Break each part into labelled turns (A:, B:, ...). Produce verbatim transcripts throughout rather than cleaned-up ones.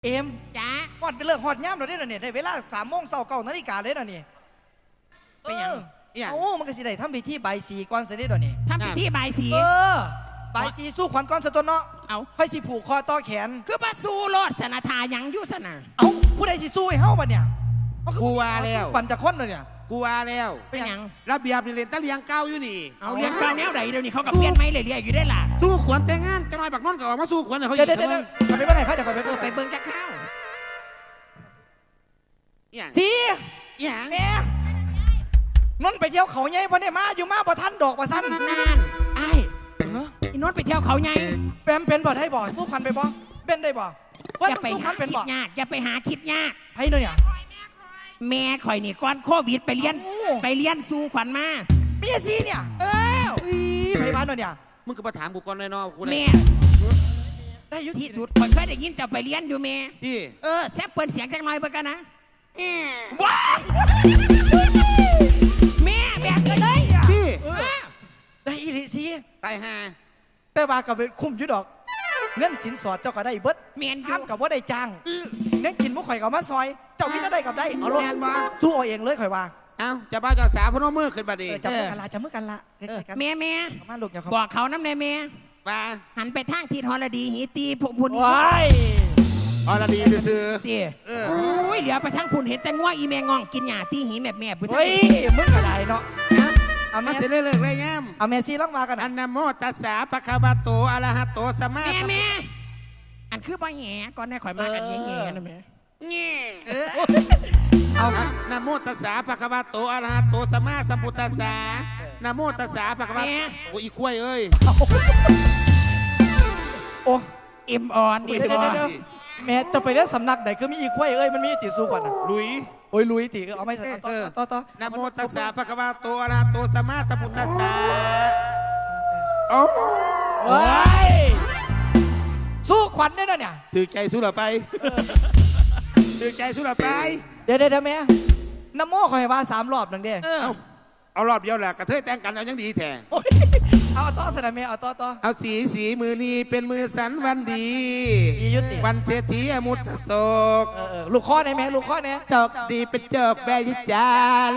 A: เอ็ม
B: จ้า
A: ฮอดเป็นเรื่องฮอดย่ำเราได้แล้วเนี่ยได้เวลาสามโมงเช้าเก้านาฬิกาเลยแล้วนี่
B: เป็นยัง
A: โอ้มันก็สิได้ทำพิธีใบสีก่อนเสร็จได้แล้วนี่
B: ทำพิธีใบสี
A: เออใบสีสู้ขวัญก่อนสะตนเนาะ
B: เอา
A: ค่อยสิผูกคอต่อแขน
B: คือมาสู้รอดสนาทายังอยู่สนะ
A: เอ้าผู้ใดสิสู้ให้เฮาบัดเนี่ย
C: กูว่าแล้ว
A: ขวัญจะค้นเลยเนี่ย
C: กูว่าแล้ว
B: เป็นยัง
C: ระเบียบนี่เรียนตะเลียงเก้าอยู่นี่
B: เอาเรียนการแนวไหนเดี๋ยวนี้เขากับเปลี่ยนไม่เลยเรียอยู่ได้ล่ะ
C: สู้ขวัญแต่งงานจะน้อยบักน้อนก็ออกมาสู้ขวัญเขาอ
A: ยู่เดี๋ยวเดี๋ยวเดี๋ยวไปเมื่อไหร่เขาจะไปเมื่อ
B: ไปเบิ้งจะเข้า
A: ที
C: อย่าง
A: แม่นนไปเที่ยวเขาใหญ่พอเนี่ยมาอยู่มาบ่ทันดอกบ่สั้น
B: นั่นไอ้อีนนไปเที่ยวเขาใหญ่
A: แปมเป็นบ่ได้บ่สู้ขวัญไปบ่เป็นได้บ่
B: จะไปหาคิดยากจะไปหาคิดยาก
A: ให้เนาะเนี่ย
B: แม่ข่อยนี่ก่อนโควิดไปเรียนไปเรียนสู้ขวัญมา
A: เมียซีเนี่ย
B: เออ
A: ไปบ้านเนาะเนี่ย
C: มึงก็มาถามกูก่อนเลยเนาะ
B: แม่
A: ได้ยุ
B: ที่สุดข่อยเคยได้ยินจะไปเรียนอยู่แม่
C: ดิ
B: เออแซ่บเปิดเสียงจังหน่อยเบิ่งกันนะ
A: ว้า
B: แม่แบบกันเลย
C: ดิ
A: ได้อีลิซี
C: ตายห่า
A: แต่ว่ากับคุ้มยุดอกเงินสินสอดเจ้าก็ได้เบิด
B: เมียน
A: ห้ามกับว่าได้จ้างเน้นกินมุกข่อยกับมาซอยเจ้าพี่จะได้กับได้เอาลงสู้เอาเองเลยข่อยว่า
C: เอ้าจะบ้าเจ้าสาวพนมมือขึ้นมาดิ
A: จับมือกันละจับมือกันละ
B: แม่แม่
A: มาลูกอย่า
B: บอกเขาน้ำในแม่
C: ว่า
B: หันไปทางทิศฮอลดีหีตีพุ่น
A: ว้าย
C: ฮอลดีซื้อ
B: ตีโอ้ยเหลือไปทางพุ่นเห็นแต่ง่วงอีแมงงองกินหญ้าตีหีแม่แม่
A: เฮ้ยมึงอะไรเนาะ
C: เอาแม่สิเลิกเลยแง่ม
A: เอาแม่ซีล่องมากัน
C: อันนโมตัสสะภะคะวะโตอะระหะโตสัมมา
B: แม่แม่อันคือบ่แง่ก่อนได้ข่อยมากันแง่ๆนะแม่
C: แง่เอานโมตัสสะภะคะวะโตอะระหะโตสัมมาสัมพุทธัสสะนโมตัสสะภะคะวะโอ้อีคุ้ยเอ้ย
A: โอ้
B: เอ็มออนนี่
A: เดี๋ยวแม่จะไปเล่นสำนักไหนคือมีอีคุ้ยเอ้ยมันมีติสู้ก่อนนะ
C: ลุย
A: โอ้ยลุยติเอาไม่ต่อต่อต่อ
C: นะโมตัสสะภะคะวะโตอะระหะโตสัมมาสัมพุทธัสสะโอ้
A: ยสู้ขวัญได้แล้วเนี่ย
C: ถือใจสู้หรือไปถือใจสู้หรือไป
A: เดี๋ยวเดี๋ยวแม่น้ำโม่คอยว่าสามรอบหนึ่งเด้
C: เอาเอารอบเดียวแหละกระเทยแต่งกันเอายังดีแท้
A: เอาต่อสนะแม่เอาต่อต่อ
C: เอาสีสีมือนี้เป็นมือสันวันดีวันเศรษฐีอมุตโศก
A: ลูกข้อไหนแม่ลูกข้อไหน
C: จอกดีเป็นจอกแบยิจาน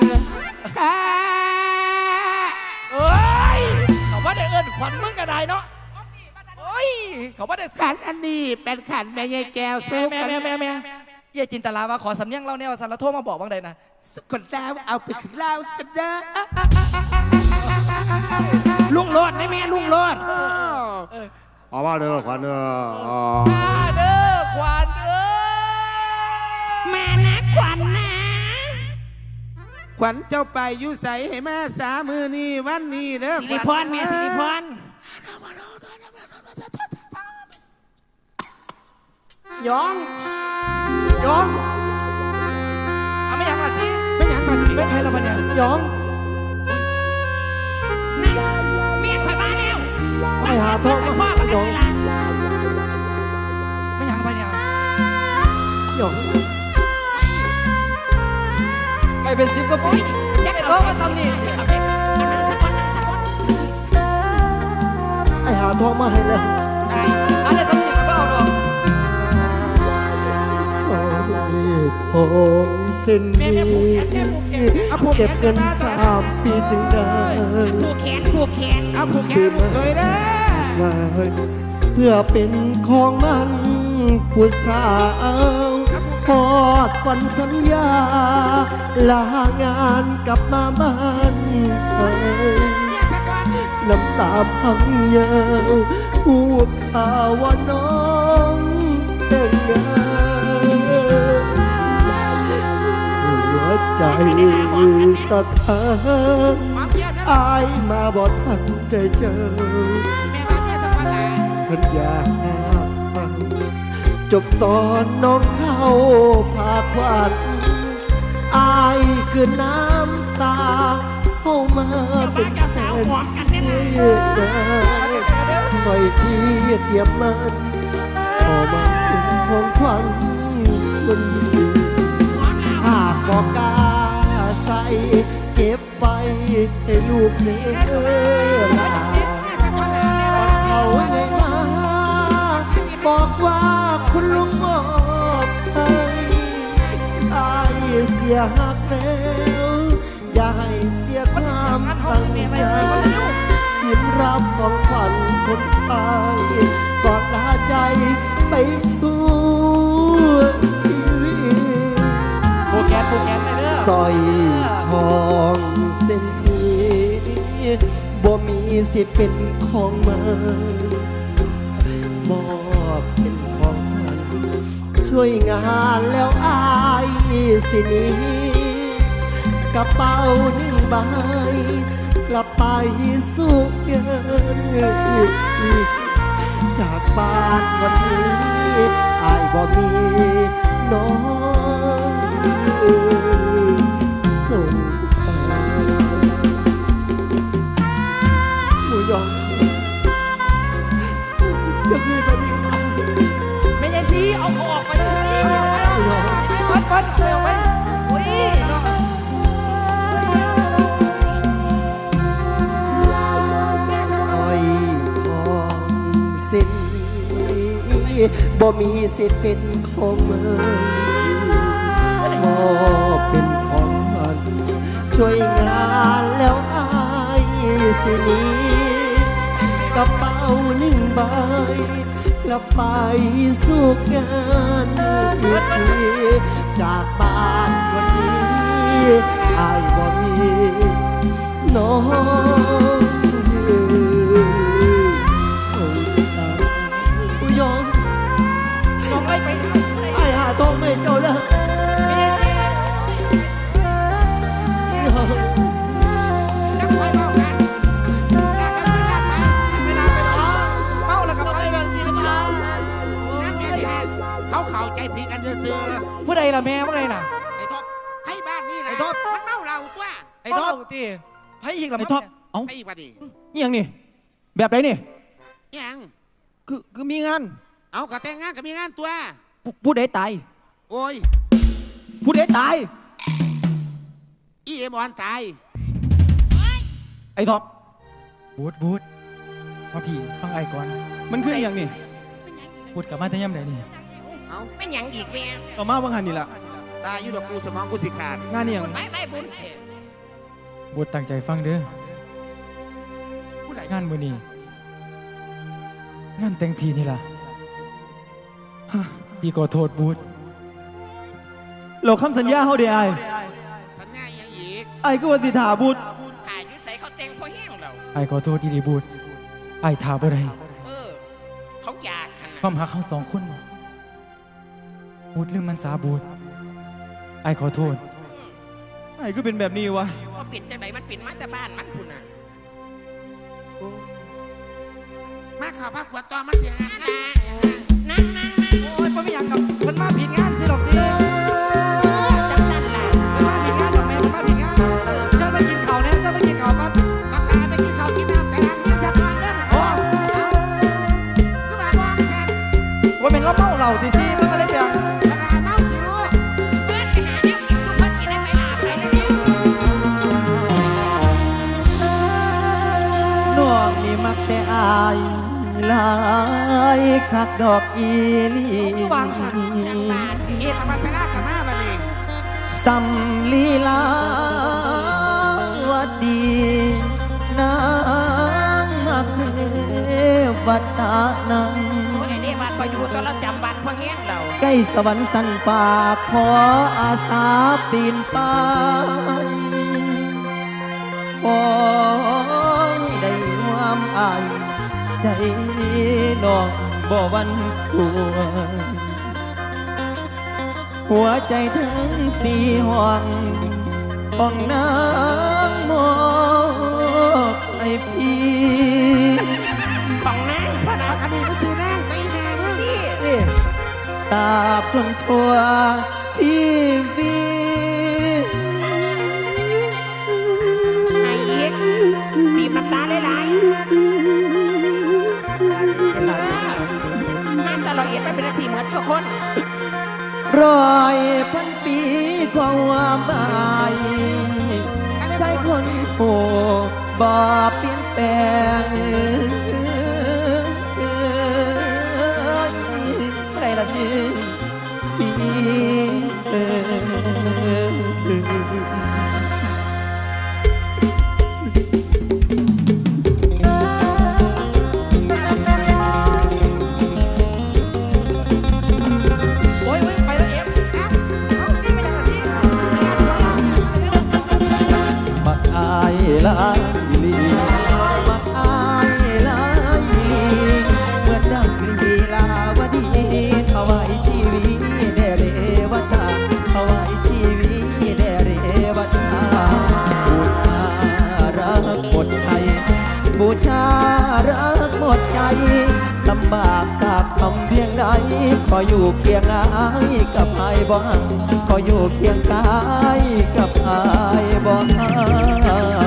A: เอ้ยเขาว่าได้เอิญขวัญมึงก็ได้เนาะโอ้ยเขาว่าได้
C: ขันอันนี้เป็นขันแม่ยายแก้วสู้
A: แม่แม่แม่แม่เย่จินตลาว่าขอสำเนียงเล่าเนี่ยสันละโทษมาบอกบ้างใดนะ
C: สกุลดาวเอาไปเล่าสดา
B: ลุงโลดได้แม่ลุงโลด
C: เอาว่าเด้อขวัญเด้อ
A: มาเด้อขวัญเอ้
B: ยมานะขวัญนะ
C: ขวัญเจ้าไปอยู่ใสให้แม่สามือนี่วันนี้เด้อ
B: สิริพรแม่สิริพร
A: ยองยองเอาไม่อยากมาสิ
C: ไม่อยากมา
A: ไม่ใครเรามาเนี่ยยอง
B: นั่นเมียข่อยมาแล้ว
A: ไม่หาโทษ
B: พ่อมาแล้ว
A: ไม่อยากมาเนี่ยยองไปเป็นซิปก็ปุ๊บ
B: อยาก
A: โต๊ะมาทำนี่
B: เอานั่งสักคนนั่งสักคน
A: ไอหาทองมาให้เลยอันนี้ทำนี่ก็เอาดอกทองเส้นนี้เก็บเงินสามปีจึงได้
B: ผูกแขนผูกแขน
C: เอาผูกแขนลูกเคยได้
A: เพื่อเป็นของมันผู้สาวทอดวันสัญญาลางานกลับมาบ้านน้ำตาพังเยาวพูดข่าวว่าน้องแต่งงานใจสะท้านอายมาบ่ทันใจเจอเพิ่นอยากฟังจบตอนน้องเข้าพาควันอายคือน้ำตาเข้ามาเป็นแสนเยือกใส่ที่เตรียมมันออกมาเป็นของขวัญคนดีหากบอกกาใส่เก็บไปให้ลูกเนื้อลาเขาไงมาบอกว่าคุณลุงมอสียหักแล้วอย่าให้เสียความตั้งใจยิ้มรับของขวัญคนไทยก่อนลาใจไปชั่วชีวิต
D: โปรแกนโปรแกนไปเด้อ
A: สร้อยทองเส้นนี้บ่มีสิทธิ์เป็นของมันมอบเป็นของขวัญช่วยงานแล้วอายสิหนี้กระเป๋าหนึ่งใบกลับไปสุขเงินจากบ้านวันนี้อายบ่มีน้องส่งไปหมูยองจะมีแบบนี้
D: ไม่ใช่สิเอาเขาออกไปเลยปัดปัดเอาไปโอ้ยเนาะ
A: อ้อยทองเส้นนี้บ่มีสิทธิ์เป็นของเมืองมอบเป็นของมันช่วยงานแล้วอายสิหนี้กระเป๋าหนึ่งใบกลับไปสู่งานอีกทีจากบ้านวันนี้อายบ่มีน้องส่งตาผู้ยอม
D: น้องไล่ไปทำอะไร
A: ไอ้หาทองไม่เจ้าแล้ว
D: ไม่ใช่สิ
C: จะคอยเล่ากันแล้วก็มีลาไป
D: เวลาไปล้อเมาแล้วก็ไปแบบสิมันทาง
C: นั่นแม่ที่เขาเข้าใจผิดกันเสื่อ
D: ผู้ใดล่ะแม่ผู้ใดน่ะไอ้ท็อป
C: ๆให้บ้านนี่นะ
D: ไอ้ท็อป
C: มันเมาเราตัว
D: ไอ้ท็อปตีให้อีกล่ะ
E: ไอ้ท็อปเอ้า
C: ไอ้ปะดิ
E: นี่ยังนี่ แบบไหนนี่
C: ยัง
E: คือคือมีงาน
C: เอากระแต่งงานกับมีงานตัว
E: ผู้ผู้ใดตาย
C: โอ้ย
E: ผู้ใดตาย
C: อีเอ็มออนตาย
E: ไอ้ท็อป
F: บูดบูดมาพี่ฟังไอ้ก่อน
E: มันคืออหย่างนี่
F: บูดกลับมาแต่ย่ำไหนนี่
C: เอา
B: เป็นหยังอีกแม่
E: ต่อมาวังหันนี่ล่ะ
C: ตายอยู่ดอกกูสมองกูสิขาด
E: งานนี่ยัง
B: ไปไปบุญเถอะ
F: บูดตั้งใจฟังเด้อ
C: ผู้ใด
F: งานมือนี้งานแต่งทีนี่ล่ะฮะพี่ขอโทษบูด
E: เราคำสัญญาเขาเดียไอ้
C: สัญญายังอีก
E: ไอ้ก็ว่าสิถาบุตร
B: อายุใส่เขาแต่งพอแห้งเรา
F: ไอ้ขอโทษดีๆบูดไอ้ถาบ่ได้
B: เออ เขาอยากขนาด
F: ความหักเขาสองคนบูดลืมมันสาบูดไอ้ขอโทษ
E: ไอ้ก็เป็นแบบนี้วะ
B: ว่าปิ่นจังไหนมันปิ่นมาแต่บ้านมันพุ่นน่ะ
C: มาข่าวพระขวดตอมันเสียงานงาน
B: นั่งนั่งนั่ง
D: โอ้ยไม่อยากกับเพิ่นมาผิดงานสิหรอกสิ
B: จังสั้นล่ะ
D: เพิ่นมาผิดงานหรอกแม่เพิ่นมาผิดงานเจ้าไปกินข้าวเนี่ยเจ้าไปกินข้าวก่อน
C: บักลาไปกินข้าวกินน้ำแต่ละเงินจะมาเด้อ
D: โอ้
C: เอาคือมามองกัน
D: ว่าเป็นเราเมาเหล้าที่สิเพิ่นก็เลยเปลี่ยน
C: บักลาเมาจิ๋ว
B: เพื่อนไปหาแนวกินชุบเพิ่นกินได้ไปลาไปแล้วเนี่ย
E: น้องนี่มักแต่อายหลายคักดอกอีหลี
D: วางสัน
B: ช่างบ้าน
C: เอ็มปัสสาวะกับมาบัดนี้
E: สำลีลาวดีนางมักเทวตานัง
B: โอ้ยไอ้นี่บ้านพออยู่ตอนเราจำบ้านพอแห้งเรา
E: ใกล้สวรรค์สันฝากขออาสาปีนไปขอได้ความอายใจน้องบ่หวันกลัวหัวใจถึงสี่ห้องห้องนางมอบให้พี่
B: ของนางพระนะ
C: อันนี้มันซื้อนั่งตีหามึง
B: นี่
E: ตราบจนชั่วชีวิต
B: ไอ้อีกบีบน้ำตาหลายๆมันตลอดเอียดมันเป็นสีเหมือนทุกคน
E: ร้อยพันปีความหมายใจคนโหบ่เปลี่ยนแปลง
D: ผู้ใดล่ะสิ
E: พี่เอ๋ยออยู่เคียงอายกับอายบ่ฮักขออยู่เคียงกายกับอายบ่ฮัก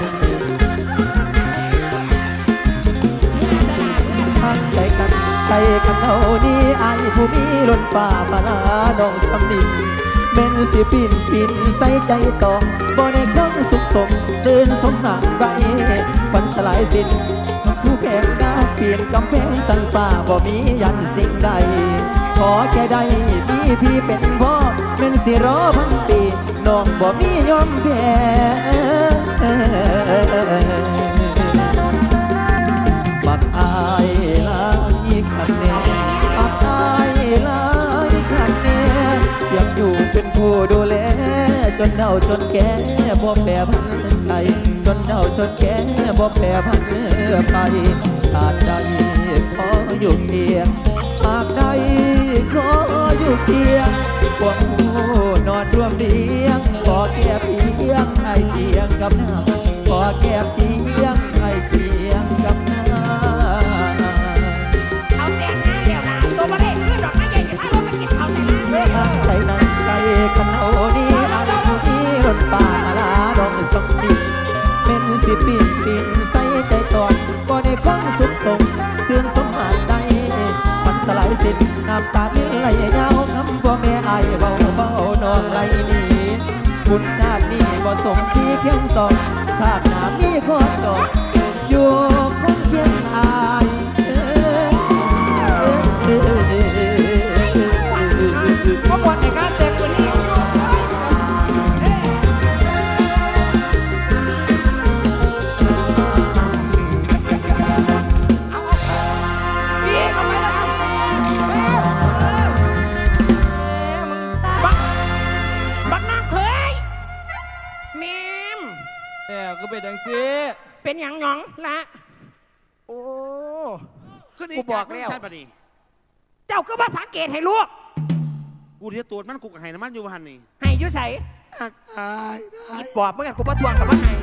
E: ตั้งใจกันใจกันเอานี้อายผู้มีล้นป่ามาลาดองสำนินเป็นสิปินปินใส่ใจต่อบ่ได้คงสุขสมตื่นสมหนักใบฝันสลายสิ้นผู้แพงดาวเปลี่ยนกำแพงสันป่าบ่มียันสิ่งใดขอแค่ใดพี่พี่เป็นพ่อเป็นสิรอพันปีน้องบ่มียอมแพ้บักอายหลายคันแน่บักอายหลายคันแน่อยากอยู่เป็นผู้ดูแลจนเฒ่าจนแก่บ่แปรพันใครจนเฒ่าจนแก่บ่แปรพันไปอาจใดขออยู่เพียงหากใดขออยู่เพียงพวกผู้นอนร่วมเรียงขอแค่เพียงไอเพียงกับหน้าขอแค่เพียงไอเพียงกับหน้า
B: เอาแต่งงานเดี๋ยวนะตัวมาเล่นคือดอกไม้ใหญ่จะพาเราไปกินเขาแต่ละเว้ย
E: ใจนั้นใจขันโอนี้อะไรผู้นี้รถป่ามาลาดองสองปีเป็นสิปีนปีนใส่ใจตอนก็ได้ฟังสุขสมเตือนสมหานใดมันสลายสิ้นน้ำตาลิ้นไหลยาวคำพ่อแม่ไอเบาเบานองไหลนี้บุญชาตินี้บ่สมที่เคียงสองชาติหน้ามีข้อต่ออยู่คงเคียงอาย
D: เมื่อวันในงานแต่งวันนี้
B: บักนางเคยแมม
F: แต่ก็เป็นดังสิ
B: เป็นหยังหยองละโอ้
C: คือนี่
B: กูบอกแล้ว
C: ใช่ปะนี่
B: เจ้าก็มาสังเกตให้ลูก
C: กูเทียตัวมันกูกับไห้น้ำมันอยู่หันนี่
B: ให้อยุ่ใส่
C: อักอายได้
B: อีปอบเมื่อกันกูประทวงกับว่าไง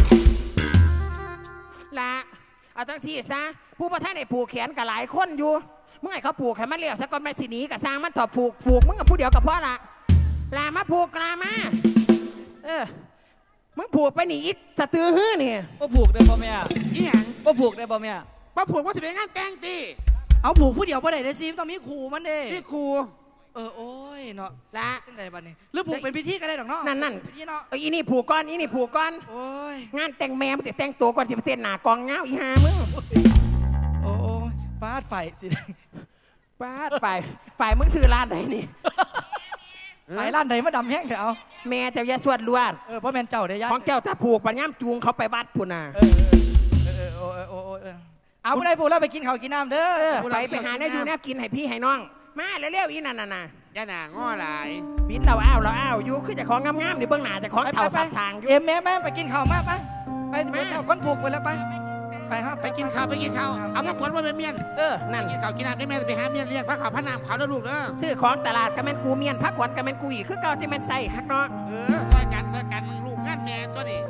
B: ละเอาทั้งที่ซะผู้ประท่านไอ้ผูกแขนกับหลายคนอยู่เมื่อไงเขาผูกแขนมันเรียกซะก่อนมันสิหนีกับสร้างมันถอดผูกผูกมึงกับผู้เดียวกับพ่อละลามาผูกลามาเออมึงผูกไปหนีอีสะตือฮื้อนี่
F: ว่าผูกได้บ่แม่
C: อีหยัง
F: ว่าผูกได้บ่แม่
C: ป้าผูกว่าจะเป็นงานแต่งตี
D: เอาผูกผู้เดียวบ่ได้ได้ซิมต้องมีขู่มันเด้
C: นี่ครู
D: เออโอ้ยเนาะ
B: ละ
D: จังไดบัดนี้หรือผูกเป็นพิธีก็ได้ดอกเนาะ
B: นั่นนั่น
D: พิธีเนาะ
B: เอออีนี่ผูกก้อนอีนี่ผูกก้อน
D: โอ้ย
B: งานแต่งแม่มึงจะแต่งตัวก่อนที่ประเทศหนากองเงาอีหามึง
D: โอ้ยฟาดไฟสิ
B: ป้าดฝ่ายฝ่ายมึงซื้อร้านไหนนี่
D: ไฟร้านใดมาดำแห้งเถอะเอา
B: แม่เจ้าอยาสวดลวด
D: เออเพราะแม่นเจ้าได้ยัด
B: ของเจ้าถ้าผูกปัญญามจูงเขาไปวัดพุ่นน่ะ
D: เออเออเออเออเออเออเออเอาผู้ใดผูกแล้วไปกินข้าวกินน้ำเด้อ
B: เออไปไปหาแนวอยู่แนวกินให้พี่ให้น้อง มาเร็วๆอีนั่นน่ะน่ะ
C: ย่าหนาง้อหลาย
B: บิดเราอ้าวเราอ้าวอยู่คือเจะของงามๆนี่เบื้องหน้าเจะของเท่าสัตว์ทางอยู่
D: เอ็มแม่แม่ไปกินข้าวมาไปไปไปเอาคนผูกไปแล้วไปไปครับ
C: ไปกินข้าวไปกินข้าวเอามาขวนว่าเป็นเมียน
B: เออนั่น
C: กินข้าวกินน้ำได้แม่ไปหาเมียนเรียกพระขาวพระนามขาวแล้วลูกเด้อ
B: ซื้อของตลาดกระแมนกูเมียนพักขวัญกระแมนกูอีกคือเก่าที่แมนใส่คักเนาะ
C: เออซอยกันซอยกันมึงลูกงานแม่ตัวนี้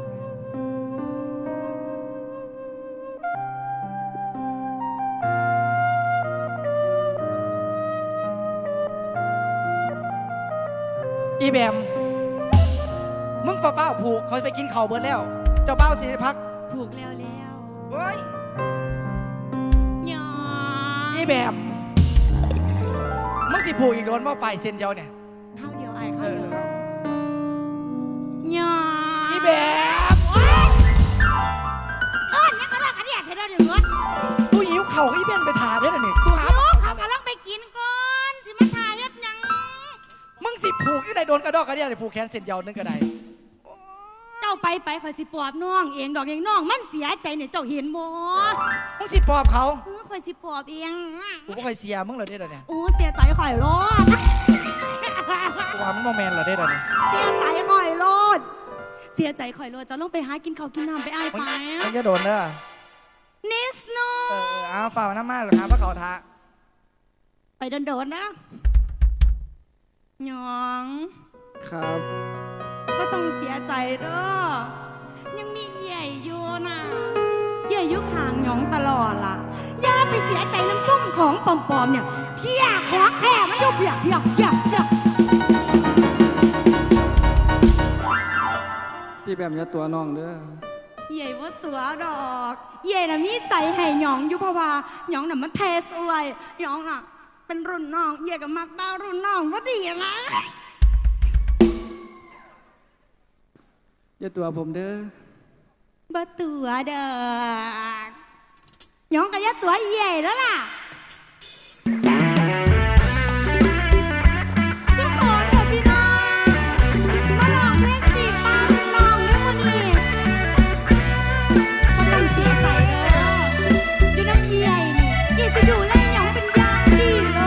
D: อีแบมมึงเป้าๆผูกเขาไปกินข้าวเบิดแล้ว เจ้าเป้าสิพัก
G: ผูกแล้วแล้ว
D: เฮ้ย
G: หยอ
D: อีแบมมึงสิผูกอีกโดนว่าไฟเส้นเดียวเนี่ย
G: เข้าเดียวไอ้เข้าเดียวหยอ
D: อีแบม
G: เออเนี่ยก็เลิกกันเนี่ยเธอเดินถึงรถ
D: ตู้หิวเข่าอีเบนไปถ่าด้วยนะนี่ตู้หา
G: ลูกเขากำลังไปกินก่อนสิมาถ่ายเฮ็ดหยัง
D: มึงสิผูกยังไงโดนกระดอกกระเดียผูกแขนเส้นเดียวนึงก็ได้
G: เจ้าไปไปคอยสิปอบน้องเองดอกเองน้องมันเสียใจเนี่ยเจ้าเห็นบ่
D: มึงสิปอบเขา
G: เออคอยสิปอบเอง
D: กูก็เคยเสียมึงเหรอเด้อเนี่ย
G: โอ้เสียใจข่อยรอด
D: กูว่ามึงโมแมนเหรอเด้อเนี่ย
G: เสียใจข่อยรอดเสียใจข่อยรอดจะลงไปหากินข้าวกินน้ำไปอ้ายไป
D: มึงจะโดนเด้อ
G: นิสโน
D: เออเอาฝ่าน้ำมาหรือครับพระเขาท้า
G: ไปโดนๆนะหยอง
F: ครับ
G: ก็ต้องเสียใจเด้อยังมีใหญ่อยู่นะใหญ่อยู่ข้างหยองตลอดล่ะอย่าไปเสียใจน้ำส้มของปลอมๆเนี่ยเพี่ยของแท้บอยากอยากอยากอยาก
F: พี่แบมอย่าตัวน้องเด้อ
G: เย่ว่าตัวดอกเย่น่ะมีใจให้หยองอยู่เพราะว่าหยองน่ะมันเทสอวยหยองน่ะเป็นรุ่นน้องเย่กับมักบ้ารุ่นน้องว่าดีนะ
F: อย่าตัวผมเด้อ
G: บ่ตัวดอกหยองกับยะตัวเย่แล้วล่ะทุกคนเถอะพี่น้องมาลองเพลงจีบป้ารุ่นน้องด้วยวันนี้บ่ต้องเสียใจเด้ออยู่น้ำเย่นี่เย่จะดูแลหยองเป็นอย่างดีเลย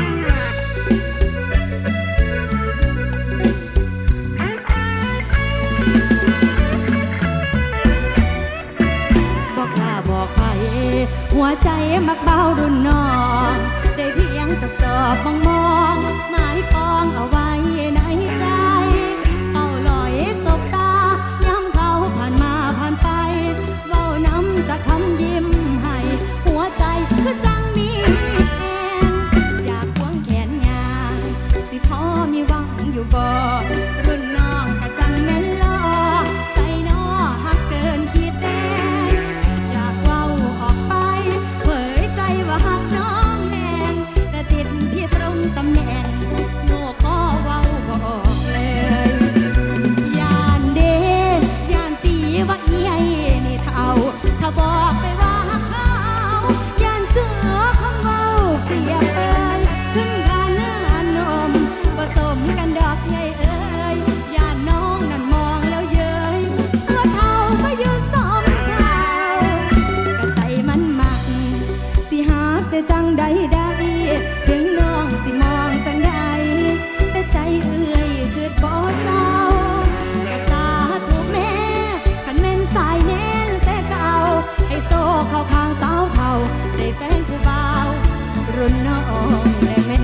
G: บอกกล้าบอกใครหัวใจมักเบารุ่นน้องได้เพียงจับจอบมองมองหมายปองเอาไว้ในใจเฝ้าลอยสบตาย้ำเขาผ่านมาผ่านไปเว้าน้ำจากคำยิ้มให้หัวใจคือจังมีแหงอยากควงแขนยางสิพอมีหวังอยู่บ่รุ่นน้องกะจังแม่นลอใจน้อหักเกินคิดแดงอยากเว้าออกไปเผยใจว่าหักน้องแหงแต่ติดที่ตรงตำแหน่งโง่ก็เว้าบ่ออกเลยยานเดยานตีว่าเอียนี่เท่าถ้าบอกไปว่าหักเขายานเจอคำเว้าเปรียบเปยขึ้นกันเนื้อนมผสมกันดอกใหญ่เอ้ยยานน้องนั่นมองแล้วเย้ยตัวเท่ามายืนสมเท่ากะใจมันมักสิหาแต่จังใดได้ถึงน้องสิมองจังใดแต่ใจเอื้อยคือบ่เศร้ากะสาธุแม่คันแม่นสายแน่นแต่เก่าให้โซ่เข้าข้างสาวเท่าได้แฟนผู้บ่าวรุ่นน้องและแม่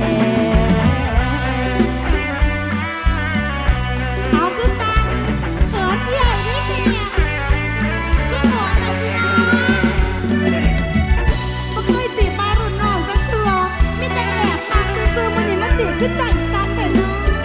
G: เอาคือสั่งเขินใหญ่นิดเดียวคือหมดเอาพี่น้องบ่เคยจีบมารุ่นน้องจักเทื่อมีแต่แอบปากซื่อๆมื้อนี้มาจีบคือใจสั่นแต่น้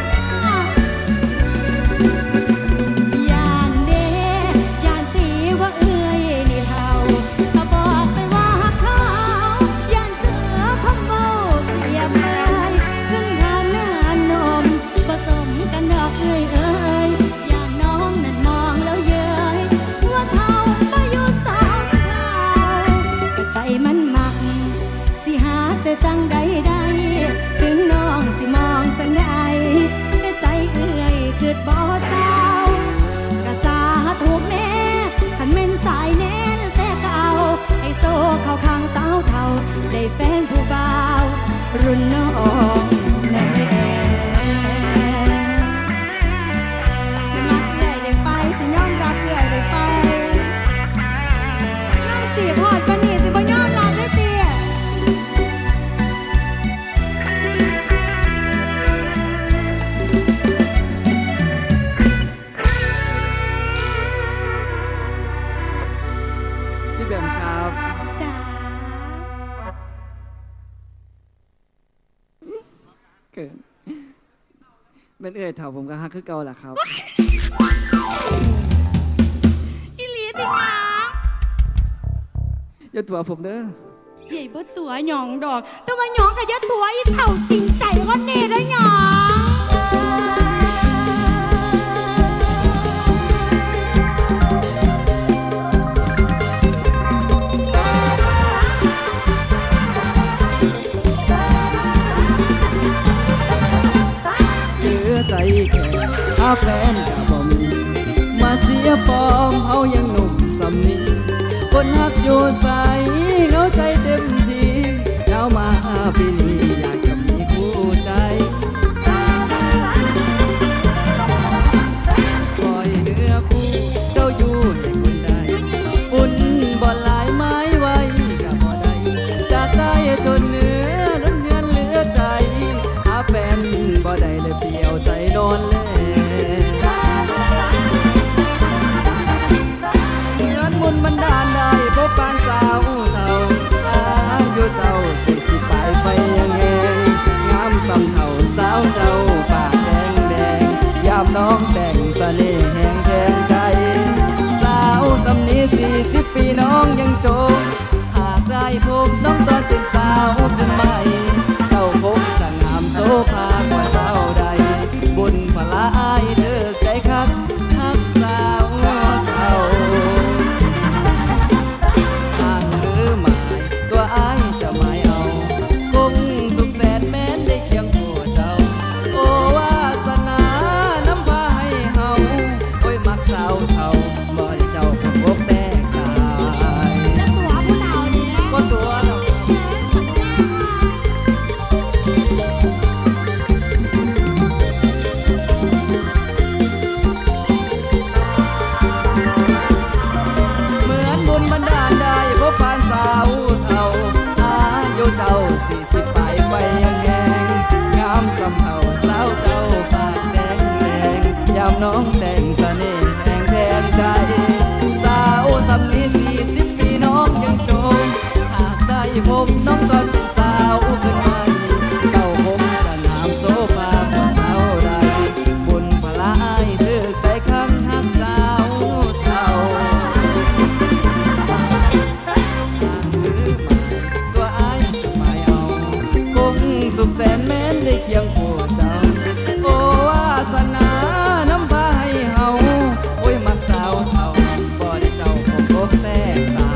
G: อยานเด้ยานตีว่าเอื้อยนี่เท่าถ้าบอกไปว่าหักเขายานเจอคำเว้าเปรียบเลยขึ้นทานเนื้อนมผสมกันดอกเอ้ยเอ้ยยานน้องนั่นมองแล้วเย้ยหัวเท่ามาอยู่สองเท่ากะใจมันมักสิหาแต่จังใดได้ถึงน้องสิมองจังใดแต่ใจเอื้อยคือบ่เศร้ากะสาธุแม่คันแม่นสายแน่นแต่เก่าให้โซ่เข้าข้างสาวเท่าได้แฟนผู้บ่าวรุ่นน้องแน่สิมักเอื้อยได้ไปสิยอมรับเอื้อยได้ไปน้องจีบฮอดปานนี้สิบ่ยอมรับเลยติ
F: พี่แบมครับ
G: จ๋า
F: เกิดเป็นเอ่ยเถ่าผมก็ฮักคือเก่าแหละครับ
G: อีหลีติงา
F: อย่าตัวผมเด้อ
G: ใหญ่บ่ตัวหยองดอก แต่ว่าหยองกับยะตัวอีเท่าจริงใจก็เน่ได้หยอง
E: เหลือใจแค่หาแฟนกับบ่มีมาเสียปอมเฮายังหนุ่มสำนีคนฮักอยู่ใสเหงาใจเต็มทียาวมาปีนี้อยากจะมีคู่ใจปล่อยเนื้อคู่เจ้าอยู่ให้คนใดอุ่นบ่หลายไม้ไว้กับบ่ได้จากใต้จนเหนือล้นเงินเหลือใจหาแฟนบ่ได้เลยเปลี่ยวใจนอนแลเงินบุญบันดาลได้พบปานสาวเท่าอายุเจ้าสี่สิบปลายไปยังแหงงามสำเท่าอายเถิกใจคักฮักสาวเท่าอ่างหรือหมายตัวอายจะไม่เอาคงสุขแสนแม้นได้เคียงคู่เจ้าโอ้วาสนาน้ำพาให้เฮาโอ้ยมักสาวเท่าบ่ได้เจ้าคงพบแต่กาย
G: ตัวผู้เฒ่านี่นะ
E: ก็ตัวดอก เหมือนบุญบันดาลได้พบผ่านสาวเท่าอายุเจ้าสี่สิบปลายไปยังแงงงามสำเภาสาวเจ้าปากแดงแดงยามน้องแต่งเสน่ห์แทงแทงใจ สาวสำนีสี่สิบปีน้องยังโจมหากได้พบน้องก็เป็นสาวขึ้นมาเก่าผมจะนามโซฟาพอสาวใดบุญพลายเถือใจข้างหักสาวเท่า ตัวอายจะไม่เอาคงสุขแสนแม้นได้เคียงคู่เจ้าโอ้วาสนาน้ำพาให้เฮาโอ้ยมักสาวเท่าบ่ได้เจ้าคงพบแต่ตา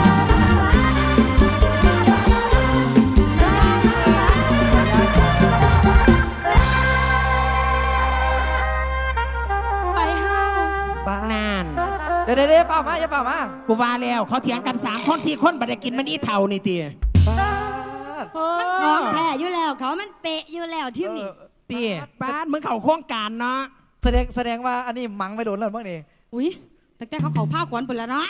G: ไปห้าง
D: ป้าน
B: าน
D: เดี๋ยวเดี๋ยวเดี๋ยวเปล่ามาอย่าเปล่ามา
B: กูว่าแล้วเขาเถียงกันสามคนที่คนบัดได้กินมันอีเท่านี่ตี
D: ป้าด
G: ของแท้อยู่แล้วเขามันเปะอยู่แล้วทีมนี่
B: ตีป้านมึงเขาโครงการเนาะ
D: แสดงแสดงว่าอันนี้มังไม่โดนแล้วบ้างนี่
G: อุ้ยแต่แต่เขาเขาผ้าขวัญไปแล้วเนาะ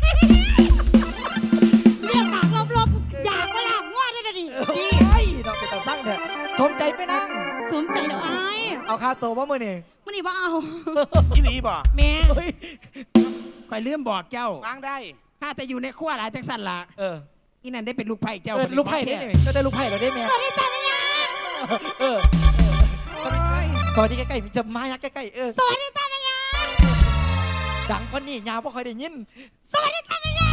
G: เรียกปากลบๆอยากก็ลากงวดเลยนะดิ
D: นี่ไอ้เราเป็นตาสั่งเถอะสมใจไปนั่ง
G: สมใจแล้วไอ้าย
D: เอาค่าตัวว่ามือนี่
G: มันนี่ว่าเอา
C: อีหลีบ่
B: แม่
D: เฮ้ย
B: คอยลืมบอกเจ้าว
C: างได้
B: ถ้าแต่อยู่ในขั้วหลายจังสันละ
D: เออ
B: อีนั่นได้เป็นลูกไผ่เจ้า
D: เออ
B: บัดนี้
D: ลูกไผ่ได้
B: ของ
D: ไหม
B: แท้
D: ก็ได้ลูกไผ่เราได้ไหม
G: สวัสดีจ้าแม่ยา
D: เออสวัสดีใกล้ๆจะมายักใกล้ๆเออ
G: สวัสดีจ้าแม่ยา
D: ดังกว่านี่ยาวเพราะเคยได้ยิน
G: สวัสดีจ้าแม่ยา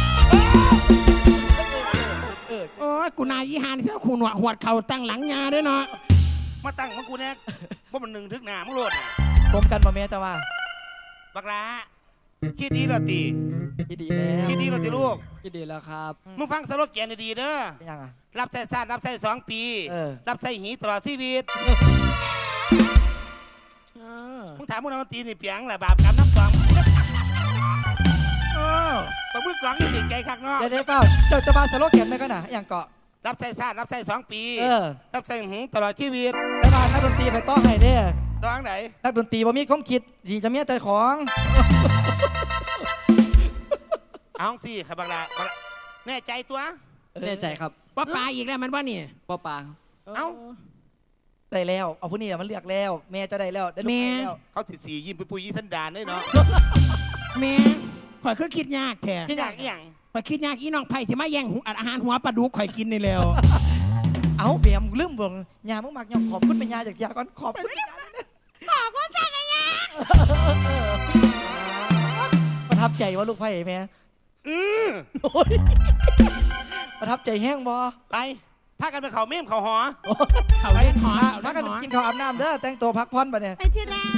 D: เออ
B: โอ้ยกูนายยี่หานี่เสียคูหนวดหวดเข่าตั้งหลังยาด้วยเนาะ
C: มาตั้งมังกูแน่ว่ามันหนึ่งถึงหนามึงโลดน่ะ
D: สมกันมาแม่จะว่า
C: บักลาคิดดีเหรอตี
D: ยินดีแล้ว
C: คิดดีเหรอตีลูก
E: ยินดีแล้วครับ
C: มึงฟังสโลแกนดีๆเด้อ
D: ยังอ่ะ
C: รับใส่ซาดรับใส่สองปี
D: เออ
C: รับใส่หีตลอดชีวิต
B: เออ
C: มึงถามมึงเอาตีนี่เปียงแหละบาปกรรมน้ำกล่อง
B: เออ
C: ปะมึงกล่องนี่ติดใจคักเนาะ
D: เดี๋ยวได้เปล่าเจ้าจะมาสโลแกนไหมก็น่ะอย่างเกาะ
C: รับใส่ซาดรับใส่สองปี
D: เออ
C: รับใส่หีตลอดชีวิต
D: แล้วมานักดนตรีใครต้อให้เด้อ
C: ดองไหน
D: นักดนตรีบ่มีความคิดสิจะมีแต่ของ
C: เอาสิครับบักลาบักลาแน่ใจตัว
E: แน่ใจครับ
B: ว่าปลาอีกแล้วมันว่านี่
E: ป้าปา
C: เอ้า
D: ได้แล้วเอาผู้นี้มันเลือกแล้ว แม่จะได้แล้วได้ลูกได้แล้ว
C: เขาสิสียิ้มไปปุยยี่สันดานได้เนาะ
B: แม่ข่อยคือคิดยากแท้
C: ที่อยากอหย่าง
B: ข่อยคิดยากอีน้องไผ่ที่มาแย่งหูอาหารหัวปลาดุกข่อยกินนี่แล้ว
D: เอาเบียมลืมเบิ่งยามึงมักยอมขอบคุณเป็นยาจากยาก่อนขอบคุณ
G: ขอบคุณจ้าแม่ยา
D: ประทับใจว่าลูกไผ่แม่
C: อือ
D: โอ้ยประทับใจแห้งบ่
C: ไปพากันไปเขาเม่มเขาหอ
B: เขาเล่นหอ
D: พักกันกินข้าวอาบน้ำเด้อแต่งตัวพักผ่อนปะเนี่ย
G: ไปที่ร้าน